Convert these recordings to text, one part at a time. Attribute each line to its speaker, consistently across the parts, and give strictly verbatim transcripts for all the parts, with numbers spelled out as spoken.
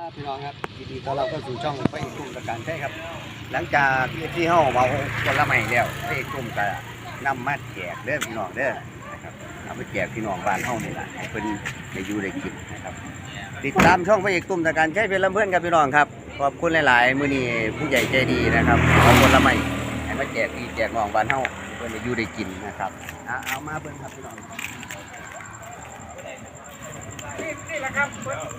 Speaker 1: พี่น้องครับยินดีต้อนรับเข้าสู่ช่องพระเอกกลุ่มประการใช่ครับหลังจากที่ที่เฮาเมาคนละใหม่แล้วพระเอกกลุ่มก็นำมาแจกเด้อพี่น้องเด้อนะครับเอาไปแจกพี่น้องบ้านเฮานี่แหละให้เพิ่นได้อยู่ได้กินนะครับติดตามช่องพระเอกกลุ่มประการใช้เป็นลำเพื่อนกับพี่น้องครับขอบคุณหลายๆมื้อนี้ผู้ใหญ่ใจดีนะครับเอาคนละใหม่ให้มาแจกพี่แจกน้องบ้านเฮาเพิ่นได้อยู่ได้กินนะครับเอามาเบิ่งครับพี่น้อง
Speaker 2: นี่แหละครับ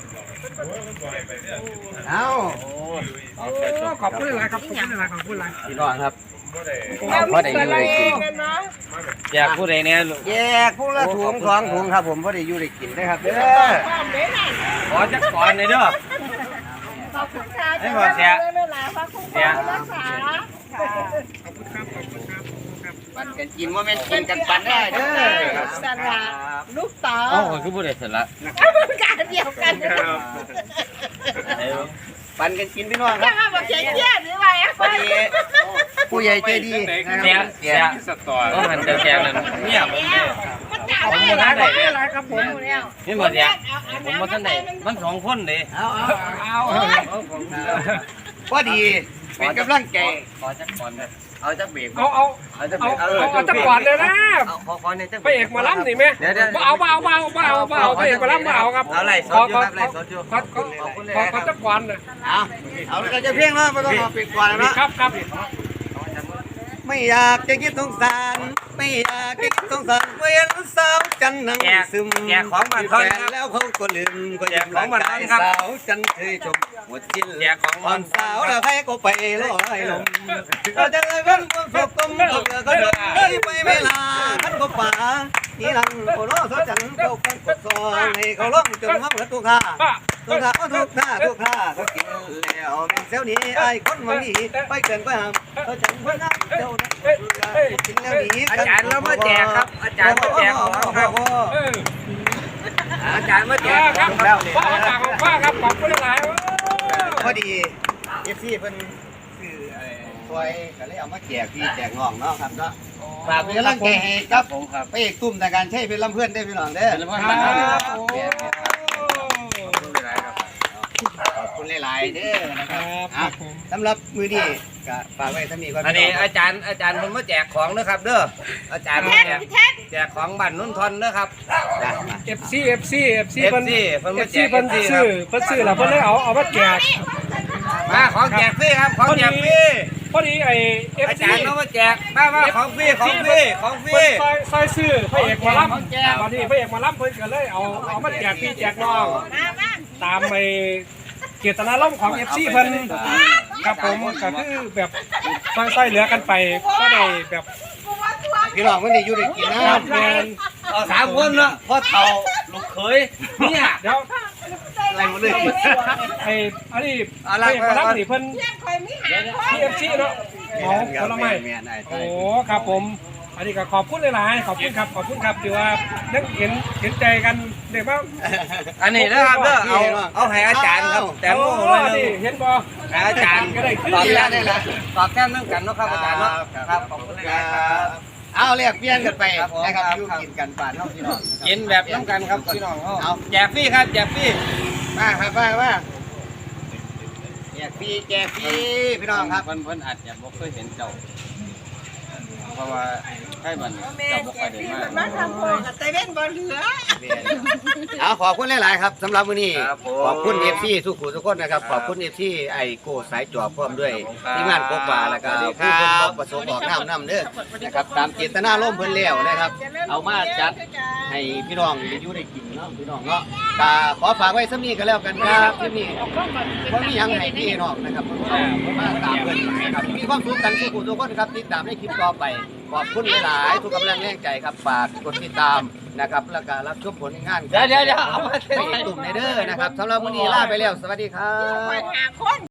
Speaker 1: เอา
Speaker 2: ขอบคุณหลายครับขอบคุณหลายขอบคุณหลาย
Speaker 1: พี่น้องครับพอได้อยู่ได้กิน
Speaker 3: อยากพูดอะไรเนี่ย
Speaker 1: แยกพวกละถุงสองถุงครับผมพอได้อยู่ได้กินได้ครับเด้อ
Speaker 3: ขอจักก่อนเลยเด้อ
Speaker 4: ขอบคุณค่ะจะมาเสียขอบคุณค่ะรักษา
Speaker 2: ขอบคุณครับขอบคุณครับ
Speaker 1: ปันกันกินว่าแม่นกินกันปันได้เด้อ
Speaker 4: สระลูกต่อ
Speaker 3: อ๋อคือพูดอะไรเสร็จละ
Speaker 4: การเดียวกัน
Speaker 1: ปันกันกินพี่น้องค
Speaker 4: จะ
Speaker 1: รับ
Speaker 4: มาบอกเชี่ยหรือไง
Speaker 1: พอดีผู้ใหญ่ใจดี
Speaker 3: เสียเสียสตอต้องหันแจกเลยเนี่ยผมเนี่ยผมมาท่านไหนเนี่ย
Speaker 2: ครับผม
Speaker 3: นี่หมดเนี่ยผมมาท่านไหนมันสองคนเลย
Speaker 1: เอาเอา
Speaker 2: เอา
Speaker 1: พอดีเป็นกำลังใจ
Speaker 3: ขอจักก่อนเลย
Speaker 1: เอาจักเบรก
Speaker 2: เอาเอาเอาเอาจักก่อนเลยนะไปเอกมาล้ำนี่ไหมเอาเบาเบาเบาเบาไปเอกมาล้ำเบาครับ
Speaker 3: เอาไรสดอยู่ครับไรสดอยู่
Speaker 2: ขอขอขอจักก่อนเลย
Speaker 1: เอาเอาเราจะเพียงแล้วไม่ต้องเอาปิดก่อนแล้ว
Speaker 2: ครับครับ
Speaker 1: ไม่อยากจะคิดสงสารไม่อยากจะคิดสงสารเวียนสาวจันนั่งซึม
Speaker 3: แจกของมันทอนครับ
Speaker 1: แล้วเขาก็ลืมก็
Speaker 3: แจกของมันทอนครับ
Speaker 1: สาวจันเคยชมหมดสิ้น
Speaker 3: แจกของ
Speaker 1: อ่อนสาวแล้วใครก็ไปลอยลมก็จะเลยวันพวกศพกลมก็เดือก็เดินเลยไปไม่ลาท่านก็ป่านี่หลังโอ้โหสาวจันเขาฟังกดซอยให้เขาล้มจนเขาเหมือนตัวข้าตัวข้าก็ทุกท่าทุกท่าเขากินแล้วเซลนี้ไอ้คนมันนี่ไปเกินไปหามเขาจันเพื่อนน้ำเจ้ากินแล้วหนี
Speaker 3: อาจารย์แล้วมาแจกครับอาจารย์มาแจกของครับอาจารย์มาแจก
Speaker 2: ครับ
Speaker 3: แล้ว
Speaker 2: พ่อจากของป้าครับขอบคุณหลาย
Speaker 1: พอดีเอฟซีเพิ่นคือซอยก็เลยเอามาแจกพี่แจกน้องเนาะครับเนาะฝากเป็นกำลังใจให้ครับผมครับไปเอกตุ้มแต่การใช้เป็นลำเพื่อนได้พี่น้องเด้อขอบคุณหลายๆเด้อนะครับสำหรับมือดีก็ฝากไว้ถ้ามีความ
Speaker 3: อันนี้อาจารย์อาจารย์ผมมาแจกของนะครับเด้ออาจารย์แจกแจกของบัตรนุ่นทอนนะครับ
Speaker 2: เอฟซีเอฟซีเอฟซีเพิ่น
Speaker 3: เพิ่น
Speaker 2: เอฟซีเพิ่นซื้อเพิ่นซื้อแล้วเพิ่นเลยเอาเอามาแจก
Speaker 3: มาของแจกฟรีครับของแจกฟรี
Speaker 2: พอดีไอเอฟซี
Speaker 3: อาจารย์เขามาแจกมามาของฟรีของฟรีของฟรี
Speaker 2: ซอยซอยซื้อพระเอกมาล้ำตอนนี้พระเอกมาล้ำเพิ่นก็เลยเอาเอามาแจกพี่แจกน้องตามไปเจตนาล่มของเอฟซีเพิ่นครับผมก็คือแบบซอยๆเหลือกันไปก็ได้แบบ
Speaker 1: พี่น้องมันได้อยู่ได้กินนะ
Speaker 2: แมน
Speaker 3: สามคนเนาะพ่อเฒ่าลูกเขยเนี่ย
Speaker 2: เดี๋ยว
Speaker 1: อะไรหมดเลย
Speaker 2: ไอ้อันนี้พระเอกมาล้ำนี่เพิ่นที่เอฟซีเนาะหมอผลไม้โอ้ครับผมอันนี้ก็ขอบคุณหลายๆขอบคุณครับขอบคุณครับที่ว่านักเห็นเห็นใจกันเด็กบ้าง
Speaker 3: อันนี้นะครับเด้อเอาเอาให้อาจารย์ครับแต่โม่เลย
Speaker 2: เห็นบ่
Speaker 3: อาจารย์
Speaker 2: ก็ได้
Speaker 3: ตอบแทนได้ละตอบแทนเรื่องกันเนาะครับอาจารย์เนาะครับขอบคุณครับ
Speaker 1: เอาเรียกเปลี่ยนกันไปนะครับอยู่กินกันป่านเท่าพี่น้อง
Speaker 3: กินแบบน้ำกันครับพี่น้องเอาแจกฟรีครับแจกฟรี
Speaker 1: มาครับมามาแจกฟรีแจกฟรีพี่น้องครับ
Speaker 3: เพิ่นเพิ่นอาจจะบ่เคยเห็นเจ้าเพราะว่าให้มันเจ้าบ่ค่อยได้มา
Speaker 4: มาทำโพกับเตเว่นบอลเหลือ
Speaker 1: เอาขอบคุณหลายๆครับสำหรับมื้อนี้ขอบคุณเอฟซีทุกผู้ทุกคนนะครับขอบคุณเอฟซีไอโก้สายจอบพร้อมด้วยทีมงานโคกว่าแล้วก็ผู้คนบอกประสงค์บอกน้ำน้ำเด้อนะครับตามเจตนาร่มเพิ่นแล้วนะครับเอามาจัดให้พี่น้องได้อยู่ได้กินเนาะพี่น้องเนาะก็ขอฝากไว้สักนิดก็แล้วกันครับที่นี่เพราะมียังให้พี่น้องนะครับมาตามเพิ่นนะครับมีความสุขกันทุกผู้ทุกคนครับติดตามในคลิปต่อไปขอบคุณหลายๆทุกกำลังแรงใจครับฝากกดติดตามนะครับแล้วก็รับชมผลงาน
Speaker 3: เดี๋ยวเดี๋ยวเอามา
Speaker 1: ไปตุ่มในเด้อนะครับสำหรับมื้อนี้ลาไปแล้วสวัสดีครับ